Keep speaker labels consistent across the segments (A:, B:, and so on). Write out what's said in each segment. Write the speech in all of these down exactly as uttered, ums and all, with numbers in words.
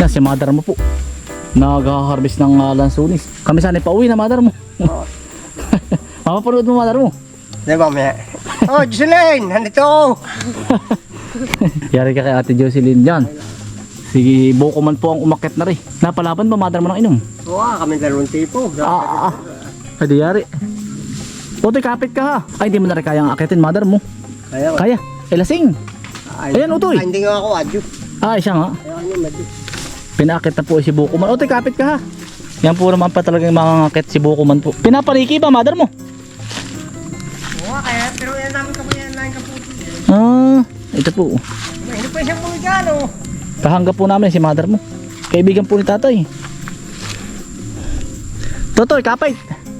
A: Yan, si mother mo po. Nag-harvest ng uh, lansunis. Kami sana pa uwi na mother mo.
B: Oo.
A: Mapapanood mo mother mo.
B: Di ba, mamaya? Oh, Jocelyn, nandito ako.
A: Yari ka kay Ate Jocelyn dyan. Si Bokoman po ang umakyat na rin. Napalaban ba mother mo ng inom?
B: Oo, ah, kami dalawang tipo.
A: Ah, ah, ah. Hadi yari. Utoy, kapit ka ha. Ay, hindi mo na rin kayang akitin mother mo.
B: Kaya,
A: Kaya, eh lasing.
B: Ay,
A: Ayan, Utoy.
B: Ay, hindi nga ako, adyo.
A: Ah, siya nga.
B: Kaya kami, madyo.
A: Pinakit na po si Bokoman. Utoy, kapit ka ha. Yan po naman pa talagang makangakit si Bokoman po. Pinapaniki ba mother mo?
B: Oo, kaya, pero yan namin kapuyan namin kaputi.
A: Ah, ito po.
B: Hindi pa isang puwi dyan, oh.
A: Kahangga po namin si mother mo. Kaibigan po ni tatay. Totoy, kapit.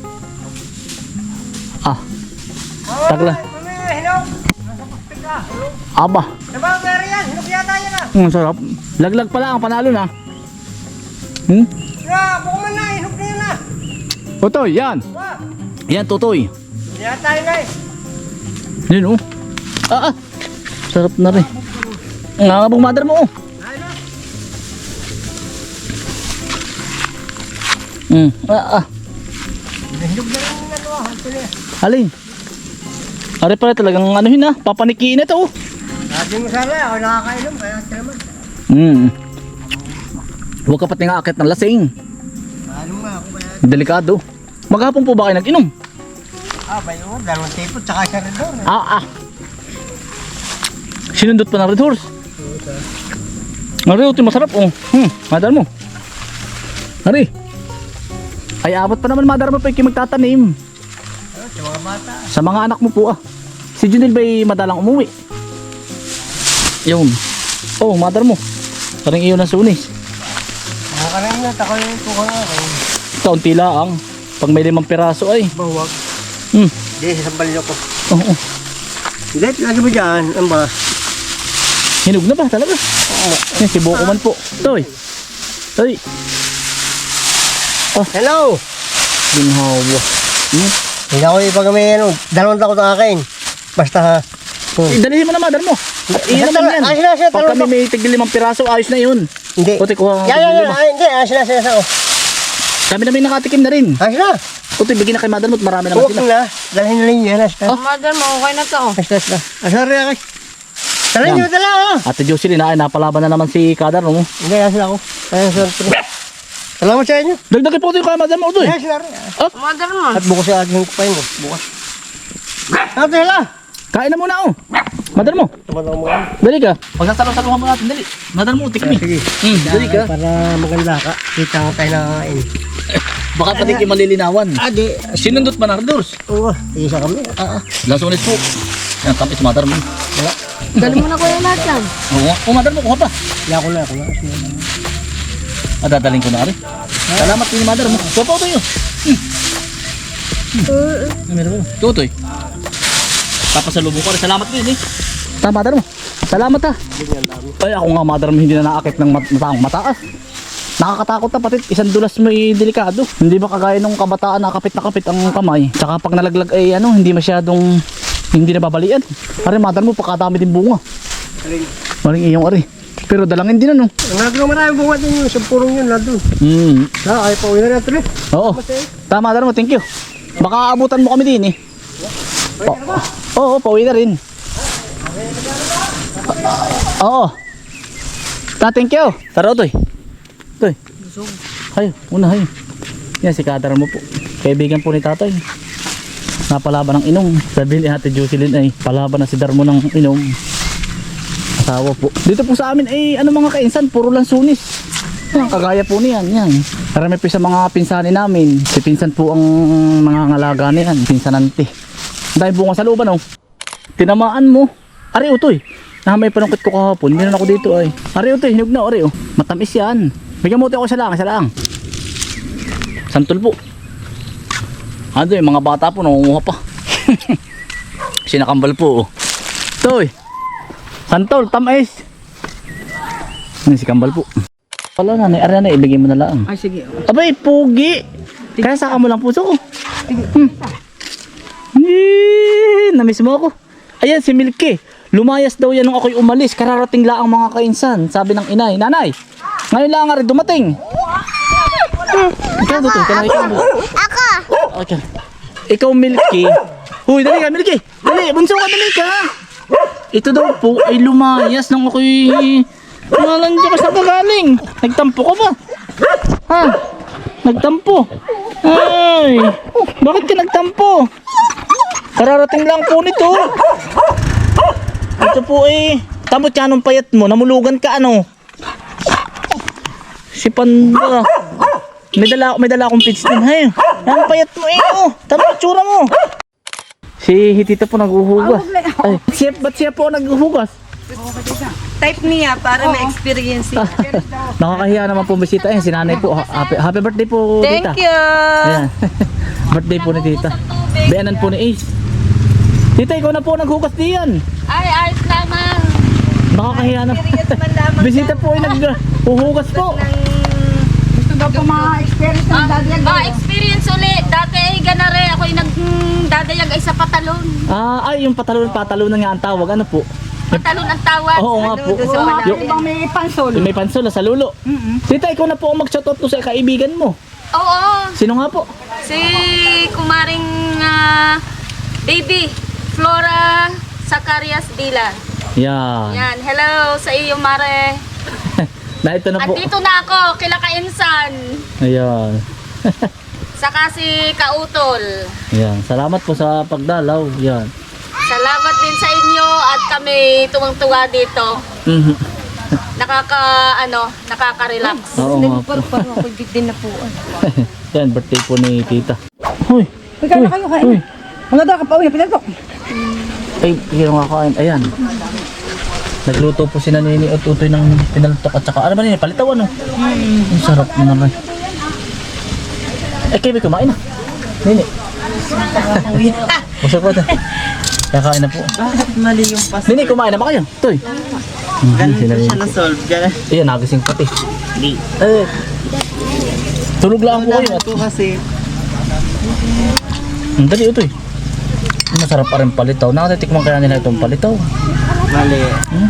A: Ah, tagla.
B: Mamaya, hinog. Nasa pakpik ka. Hinog.
A: Aba.
B: Diba, meron yan? Hinog yata yan, ah.
A: Ang sarap. Laglag pala ang panalo na. Hmm?
B: Yeah, bukuman na, hinog na yan, ah.
A: Totoy, yan.
B: Wah,
A: Yan, Totoy.
B: yan tayo na, eh.
A: Yan oh. Ah, ah. Sarap na rin. Ang ngangabong mother mo oh.
B: Ayun na.
A: Hmm. Ah, ah.
B: Hinog na rin yung ano, ah. Ito na.
A: Alin? Ari pala talagang anuhin na. Papanikiin na ito oh.
B: Sabi mo sana, ako nakakainom, kaya ito naman.
A: Hmm. Huwag ka pati nga akit ng lasing.
B: Ano nga ako kaya?
A: Delikado. Maghapon po ba kayo nag-inom?
B: Ah, ba yun? Dalawang tipo, tsaka isa rin doon.
A: Ah, ah. Sinundot pa ng red horse. Ari, ito masarap oh. Hmm, madar mo. Ari. Ay, abot pa naman madar mo pa yung magtatanim.
B: Ano, sa mga bata.
A: Sa mga anak mo po ah. Si Junil ba'y madalang umuwi? Yun. Oh, madar mo. Parang iyon ang sunis.
B: Ako ka rin na, tako yung tuka nga.
A: Kaunti lang. Pag may limang piraso ay.
B: Bawag.
A: Hmm.
B: Hindi, sasambal niyo ko.
A: Oo. Oh, oh.
B: Hindi, lagi mo dyan. Ano ba?
A: Hinog na ba talaga? Oo. Yan, si Bokoman po. Toy. Toy. Oh,
B: Hello!
A: ginhawa. Hmm.
B: Hindi ako ipag may ano, dalawang takot ang akin. Basta ha. Hmm.
A: Eh, dalihin mo na madar mo. At iyon
B: Basta,
A: naman yan.
B: ayos na siya,
A: Pag kami
B: dalawang
A: may tigil limang piraso, ayos na yun.
B: Hindi.
A: Puti, kuha
B: Yan, yan, yan. Ay, hindi, ayos na siya. Oh.
A: Kami na may nakatikim na rin.
B: Ayos na.
A: Puti, bigyan na kay madar mo at marami naman
B: Huwag
A: sila.
B: na. Dalhin na rin yan. Ayos na.
A: Oh.
C: Mother mo, okay na to.
B: Ayos na, ayos na. Ah, sorry, okay. Talhin
A: Yan.
B: niyo dala, ah.
A: Ate Jocelyn, ay napalaban na naman si Kadar mo.
B: Hindi, ayos na ako. Ayos na. Salamat sa inyo.
A: Dagdagin po ito yung kay madar mo ito eh.
B: Ayos na rin. ah.
C: Mother mo.
B: At bukas yung aking kupain ko. Bukas. Ano hala?
A: Kain na muna oh. Madar mo.
B: Tumatang mo ka.
A: Dali ka. Pagsasalong-salungan mo natin, dali. Madar mo, tikmi.
B: Sige.
A: Hmm, dali ka.
B: Para maganda ka. Kita ka tayo nakakain.
A: Baka pati kayo malilinawan.
B: Ah, di.
A: Sinundot pa na Ardors.
B: Oo, isa kami.
A: Ah, ah. Lasunis po. Yan, tamis madar mo.
B: Wala.
C: Dali mo na ko yung lahat yan.
A: Oo nga. Oh, madar mo, kuha pa.
B: Hindi ako na, ako na.
A: Ah, dadaling ko na rin. Salamat din madar mo. Kuha pa ito yun. Hmm. Hmm. Meron ko. Tutoy. Papasalubong ko rin. Salamat din eh. Ta, madar mo. Salamat ha. Ay, ako nga madar mo hindi na naakit ng mat mataang mataas. Nakakatakot na pati isang dulas mo ay delikado. Hindi ba kagaya nung kabataan na kapit na kapit ang kamay. Tsaka pag nalaglag ay ano, hindi masyadong hindi nababalian. Ari madar mo pakadami din bunga.
B: Aling.
A: Maring iyong ari. Pero dalangin din ano.
B: Ang naglo maraming bunga din yung sampurong yun nandun.
A: Hmm.
B: Ha, ay pa uwi na natin eh.
A: Oo. Tama madar mo, thank you. Baka abutan mo kami din eh. Pa Oo, pauwi na rin. Oo. Ta, thank you. Tara, Toy. Toy. Hayo, una hayo. Yan si Kadar mo po. Kaibigan po ni tatay. Napalaban ng inom. Sabi ni Ate Jocelyn ay palaban na si Darmo ng inom. Asawa po. Dito po sa amin ay ano mga kainsan, puro lang sunis. Yan, kagaya po niyan. Yan. Karami po sa mga pinsani namin. Si pinsan po ang mga ngalaga niyan. Pinsanante. Dahil bunga sa looban oh. Tinamaan mo. Ari utoy. Na may panungkit ko kahapon. Meron ako dito ay. Ari utoy, hinog na ari oh. Matamis yan. Bigyan mo utoy ako sa lang, sa lang. Santol po. Ano yung mga bata po nangunguha pa. Sinakambal po oh. Toy. Santol, tamis. Ano si kambal po. Wala na, ari na, ibigay mo na lang.
C: Ay, sige.
A: Abay, pugi. Kaya saka mo lang puso ko. Hmm. Eee, namiss mo ako. Ayan si Milky. Lumayas daw yan nung ako'y umalis. Kararating lang ang mga kainsan. Sabi ng inay. Nanay, Ngayon lang nga rin dumating. Ikaw to, ikaw ikaw.
D: Ako!
A: Okay. Ikaw Milky. Huy, dali ka Milky. Dali, bunso ka dali ka. Ito daw po ay lumayas nang ako'y nalandya ka sa kagaling. Nagtampo ka ba? Ha? Nagtampo? Ay, bakit ka nagtampo? Kararating lang po nito. Ito po eh, tamot ka nung payat mo, namulugan ka ano. Si Panda. May dala, may dala akong pits din. Hay, ang payat mo eh, oh. Tama tsura mo. Si Hitita po naghuhugas. Ay, siya, ba't siya po naghuhugas?
C: Type niya para may experience.
A: Nakakahiya naman po bisita. Ayan, si nanay po. Happy, happy birthday po, tita.
C: Thank you!
A: Ayan. Birthday po ni tita. Beanan po ni Ace. Tita, ikaw na po naghugas diyan.
C: Ay, ayos lamang.
A: Nakakahiya na.
C: Experience man lamang.
A: Bisita po ay naghuhugas po.
C: Gusto daw po mga-experience ng dadayag. Ah, experience ulit. Dati ay ganare. Ako'y nagdadayag ay sa patalon.
A: Ah, ay, yung patalon, patalunan nga ang tawag. Ano po?
C: Patalon ang tawag.
A: Oo nga po.
C: Doon sa malalim.
A: Yung
C: may pansol.
A: may pansol sa lulo. Tita, ikaw na po ang mag-shoutout po sa kaibigan mo.
C: Oo.
A: Sino nga po?
C: Si kumaring ah, baby Flora Zacarias Dila.
A: Yan.
C: Yan. Hello sa iyo, Mare.
A: Na ito na po.
C: Andito na ako, kila Kainsan.
A: Ayan.
C: Saka si Kautol.
A: Ayan. Salamat po sa pagdalaw. Yan.
C: Salamat din sa inyo at kami tuwang-tuwa dito.
A: Mhm.
C: Nakaka, ano, nakaka-relax.
A: Oo nga po.
C: Parang ako din na po.
A: Yan, birthday po ni tita. Hoy.
E: Ikaw na kayo kain.
A: Hoy.
E: Mga daw ka pa uwi, pinagpok.
A: Ay, hindi nga kakain. Ayan. Nagluto po si Nanini at utoy ng pinaltok at saka ano ba nini? Palitaw ano? Ang sarap naman. Eh, kayo kumain na. Nini. Busog po ito. Kakain na po.
F: Bakit mali yung pas?
A: Nini, kumain na ba kayo? Toy.
F: Ganun siya na-solve. Ganun.
A: Ayan, nagising pati.
F: Hindi.
A: Eh, tulog lang po kayo. At
F: Ito kasi.
A: ang dali ito eh. Masarap pa rin palitaw. Nakatitikman kaya nila itong palitaw.
F: Mali.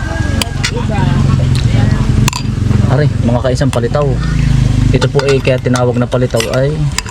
A: Aray, mga kaisang palitaw. Ito po eh, kaya tinawag na palitaw ay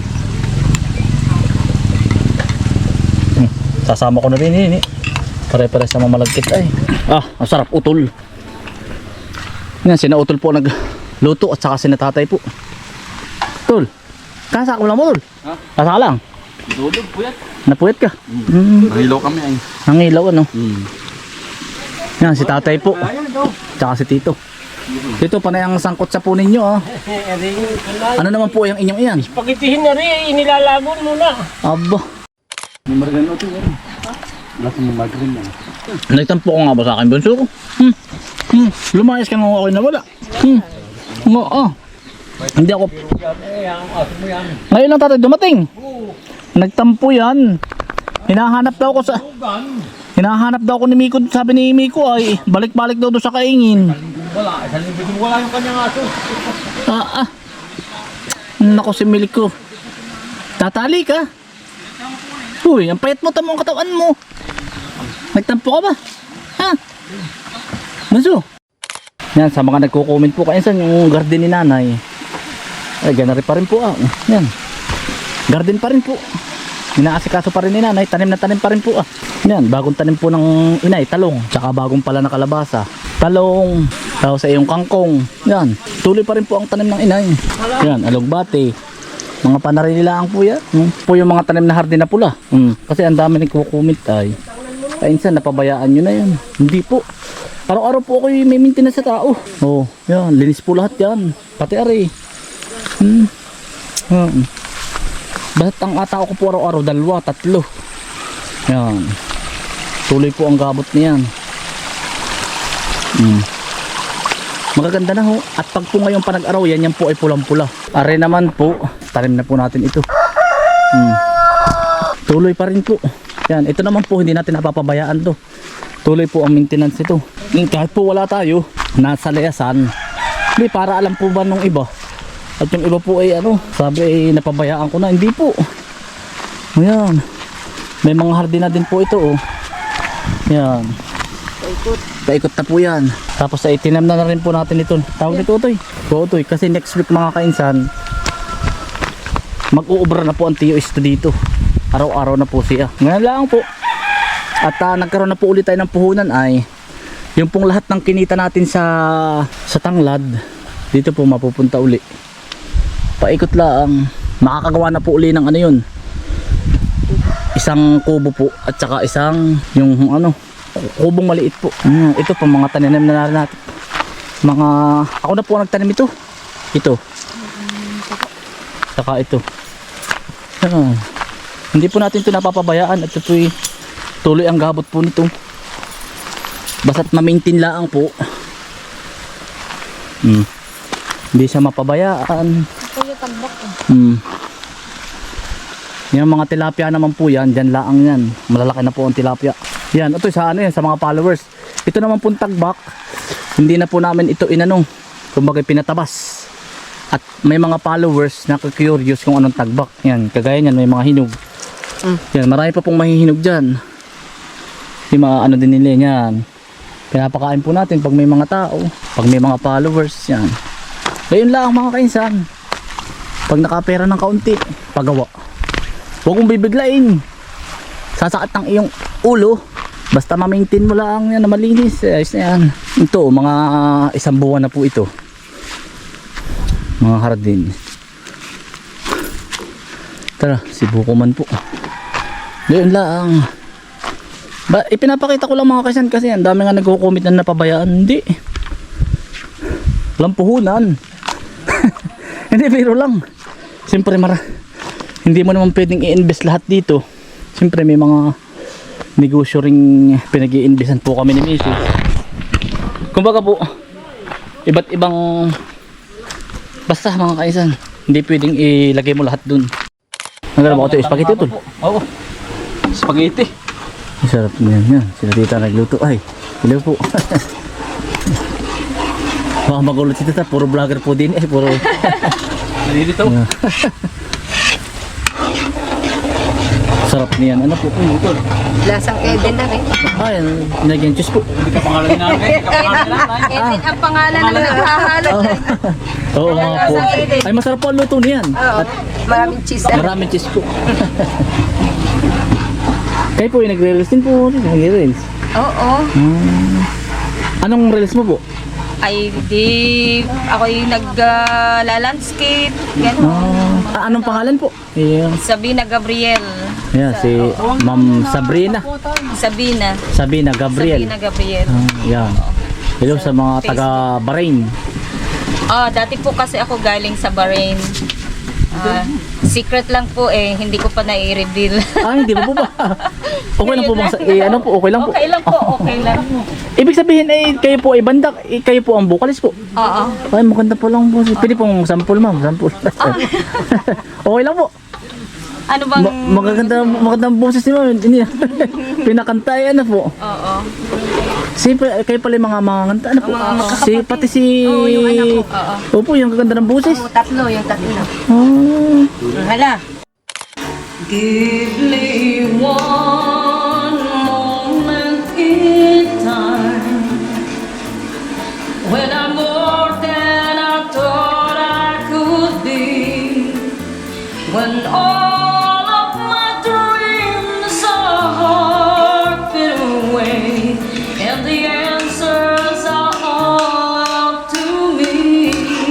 A: hmm, sasama ko na rin yun eh. Pare-pare sa mamalagkit ay. Ah, ang sarap, utol. Yan, sina utol po nagluto at saka sina tatay po. Tol, kasa ko lang mo tol?
G: Ha?
A: Kasa ka lang?
G: Dudog, puyat.
A: Napuyat ka? Mm.
G: Nahilaw kami ay.
A: Ang ilaw ano?
G: Hmm.
A: Yan, si tatay po. Tsaka si tito. Tito, panay ang sangkot sa po ninyo ah. Ano naman po yung inyong iyan?
E: Pagitihin na rin, inilalabon mo na.
A: Aba.
G: May margarine ito yan. Wala kang margarine yan.
A: Nagtampo ko nga ba sa akin, bunso ko? Hmm. Hmm. Lumayas ka nga ako nawala. Hmm. Nga ah. Hindi ako. Ngayon lang tatay dumating. Nagtampo yan. Hinahanap daw ko sa... Hinahanap daw ko ni Miko. Sabi ni Miko ay balik-balik daw doon sa kaingin.
E: Wala, isang linggo din wala yung kanyang aso.
A: Ah ah. Nako si Miko. Tatali ka. Uy, ang payat mo, tamo ang katawan mo. Nagtampo ka ba? Ha? Bunso. Yan, sa mga nagko-comment po kayo saan yung garden ni nanay. Ay, ganari pa rin po ah. Yan. Garden pa rin po. Inaasikaso pa rin ni nanay. Tanim na tanim pa rin po ah. Yan, bagong tanim po ng inay, talong. Tsaka bagong pala na kalabasa. Talong. Tapos sa iyong kangkong. Yan. Tuloy pa rin po ang tanim ng inay. Yan, alugbate. Mga panarililaang po yan. Hmm. Po yung mga tanim na hardin na pula. Hmm. Kasi ang dami nagko-comment ay. Kainsan, napabayaan nyo na yan. Hindi po. Araw-araw po ako may maintenance sa tao. Oh, yan. Linis po lahat yan. Pati ari. Hmm. Hmm. Basta't ang atao ko po araw-araw, dalawa, tatlo. Yan. Tuloy po ang gabot niyan. Hmm. Magaganda na ho. At pag po ngayong panag-araw, yan yan po ay pulang-pula. Are naman po, tanim na po natin ito. Hmm. Tuloy pa rin po. Yan, ito naman po hindi natin napapabayaan to. Tuloy po ang maintenance ito. Kahit po wala tayo, nasa layasan. Hindi, para alam po ba nung iba. At yung iba po ay ano, sabi ay napabayaan ko na. Hindi po. Ayan. May mga hardin na din po ito oh. Yan. Paikot na po yan. Tapos ay tinam na, na rin po natin ito. Tawag nito Utoy. Po Utoy. Kasi next week mga kainsan, mag-uubra na po ang T O S dito. Araw-araw na po siya. Ngayon lang po. At uh, nagkaroon na po ulit tayo ng puhunan ay yung pong lahat ng kinita natin sa sa tanglad dito po mapupunta uli. Paikot lang. Makakagawa na po uli ng ano yun. Isang kubo po at saka isang yung ano kubong maliit po. Hmm, ito po mga tanim na narin natin. Mga ako na po nagtanim ito. Ito. Saka ito. Ah, hindi po natin ito napapabayaan at ito po tuloy ang gabot po nito. Basta't ma-maintain lang po. Hmm. Hindi siya mapabayaan. Hmm. Yung mga tilapia naman po yan, dyan laang yan. Malalaki na po ang tilapia. Yan, ito sa ano yan, sa mga followers. Ito naman pong tagbak. Hindi na po namin ito inanong. Kumbaga pinatabas. At may mga followers na curious kung anong tagbak. Yan, kagaya yan, may mga hinog. Mm. Yan, marami pa pong mahihinog dyan. Yung mga ano din nila yan. Pinapakain po natin pag may mga tao. Pag may mga followers, yan. Ngayon lang mga kainsan. Pag nakapera ng kaunti, pagawa. Huwag mong bibiglain. Sasakit ng iyong ulo. Basta ma-maintain mo lang yan na malinis. Ayos na yan. Ito, mga isang buwan na po ito. Mga hardin. Tara, si Bukuman po. Doon lang. Ba, ipinapakita ko lang mga kasan kasi ang dami nga nagko-comment na napabayaan. Hindi. Walang puhunan. Hindi, pero lang. Siyempre, mara, hindi mo naman pwedeng i-invest lahat dito. Siyempre, may mga negosyo ring pinag-i-investan po kami ni Missy. Kumbaga po, iba't ibang basta mga kaisan, hindi pwedeng ilagay mo lahat dun. Nagdala mo ko ito, spaghetti ito.
E: Oo. Spaghetti.
A: Sarap niyan yan. Sila tita nagluto. Ay, hello po. Baka magulot si tita, puro vlogger po din eh. Puro
E: Dito.
A: sarap niyan. Ano po?
C: Lasang Kevin na rin.
A: Ay, naging juice po.
E: Hindi ka pangalan namin. Hindi ka pangalan namin.
C: Kevin ang pangalan ng naghahalot.
A: Oo nga po. Ay, masarap po ang luto niyan. At
C: Maraming cheese.
A: maraming cheese po. Kayo po yung nagre-release din po. Nagre-release.
C: Oo.
A: Hmm. Anong release mo po?
C: Ay, di ako yung nag-landscape. Gano'n.
A: Ah, anong pangalan po? Yeah.
C: Sabina Gabriel.
A: Yeah, si Ma'am Sabrina.
C: Sabina.
A: Sabina Gabriel.
C: Sabina Gabriel.
A: Ah, yan. Hello sa mga taga Bahrain.
C: Ah, dati po kasi ako galing sa Bahrain. Ah, secret lang po eh, hindi ko pa nai-reveal.
A: Ah, hindi po ba? Okay lang po bang sa, eh, ano po, okay lang po.
C: Okay lang po, okay lang.
A: Ibig sabihin eh, kayo po ay bandak, eh, kayo po ang vocalist po.
C: Oo.
A: Ay, maganda po lang po. Pwede pong sample ma'am, sample. Okay lang po.
C: Ano bang...
A: Ma magaganda, magandang boses ni ma'am. Hindi na. Pinakantay, ano po.
C: Oo.
A: Si, kayo pala yung mga mga kanta, ano po. Si, pati si...
C: Oo, yung anak ko. Oo.
A: Opo, yung kaganda ng boses.
C: Oo, tatlo, yung tatlo.
A: Oh.
C: Hala.
D: Give me one moment in time when I'm more than I thought I could be, when all of my dreams are fade away and the answers are all up to me.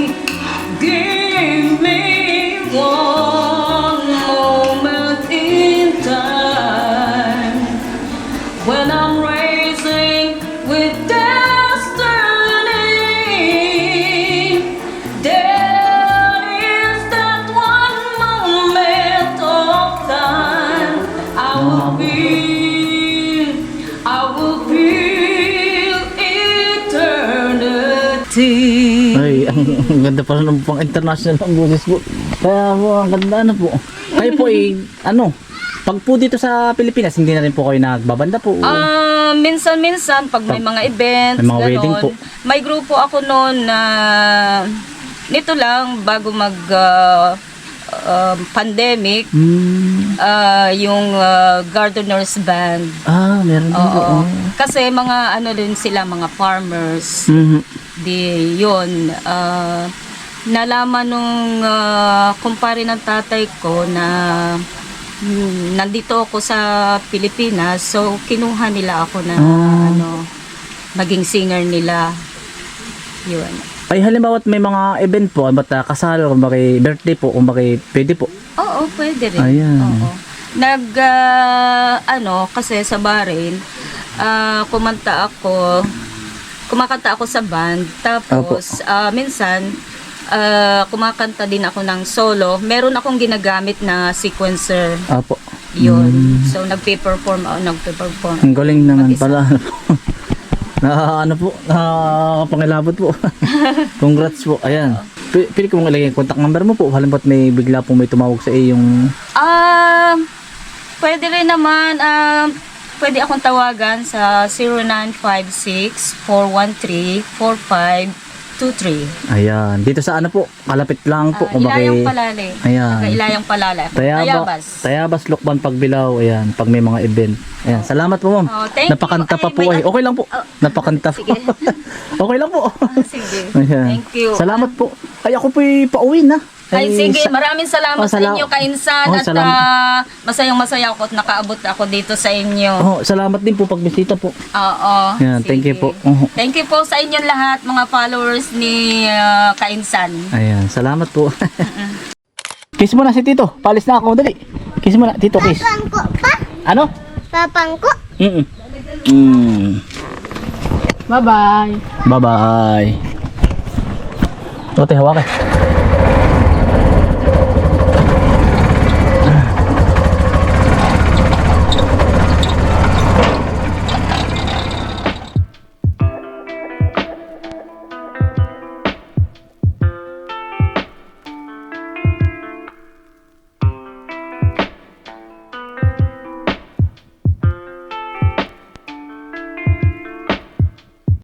D: Give me one moment in time when I'm racing with destiny. There is that one moment of time I will feel, I will feel eternity.
A: Ay, ang, ang ganda pala ng pang international ang boses po. Kaya po, ang ganda ano po. Kayo po eh, ano, pag po dito sa Pilipinas, hindi na rin po kayo nagbabanda po.
C: Ah, minsan-minsan pag may mga events,
A: May mga wedding po.
C: May grupo ako noon na nito lang bago mag ah, um, pandemic,
A: Hmm.
C: ah, yung ah, gardeners band.
A: Ah, meron din po.
C: Oo.
A: Oh.
C: Kasi mga ano din sila, mga farmers.
A: Mhm.
C: Di yun, ah, nalaman nung ah, kumpare ng tatay ko na mm, nandito ako sa Pilipinas, so kinuha nila ako na
A: Ah.
C: ano, maging singer nila. Yun.
A: Ay, halimbawa may mga event po, ba't uh, kasal, kung bakit birthday po, kung bakit pwede po.
C: Oo, pwede rin.
A: Ayan.
C: Oo. Nag, ah, ano, kasi sa barin, ah, kumanta ako, kumakanta ako sa band, tapos ah, minsan, ah, kumakanta din ako ng solo. Meron akong ginagamit na sequencer,
A: Apo.
C: yun. So, nagpe-perform ako, nagpe-perform.
A: Ang galing naman
C: Mag-isa.
A: pala. na ano po, nakakapangilabot po. Congrats po. Ayan. P- pili ko mong ilagay yung contact number mo po. Halimbawa may bigla po may tumawag sa iyo yung...
C: Ah, pwede rin naman, ah, pwede akong tawagan sa zero nine five six, four one three, four five two three.
A: Ayan. Dito sa ano po, kalapit lang po.
C: Ah,
A: kung bakit-
C: Ilayang Palale.
A: Ayan.
C: Taga Ilayang Palale.
A: Tayaba,
C: Tayabas.
A: Tayabas, Lukban, Pagbilao. Ayan. Pag may mga event. Ayan. Salamat po, ma'am.
C: Oh, thank you.
A: Napakanta pa
C: Ay,
A: po
C: may-
A: ay. Okay lang po.
C: Oh,
A: Napakanta po.
C: sige.
A: Okay lang po.
C: Ah, sige.
A: Ayan.
C: Thank you.
A: Salamat po. Ay, ako po'y pauwi na.
C: Ay, sige,
A: sa-
C: maraming salamat
A: Oh,
C: sa
A: sala-
C: inyo, Kainsan.
A: Oh,
C: at
A: salamat.
C: ah, masayang masaya ako at nakaabot ako dito sa inyo.
A: Oh, salamat din po pagbisita po.
C: Oo.
A: Yan, thank you
C: sige.
A: po. Oh.
C: Thank you po sa inyong lahat, mga followers ni ah, Kainsan.
A: Ayan, salamat po. Kiss mo na si Tito. Palis na ako, dali. Kiss mo na, Tito, kiss.
H: Papangko pa?
A: Ano?
H: Papangko?
A: Mm. Mm.
C: Bye-bye.
A: Bye-bye. Ote, hawakan.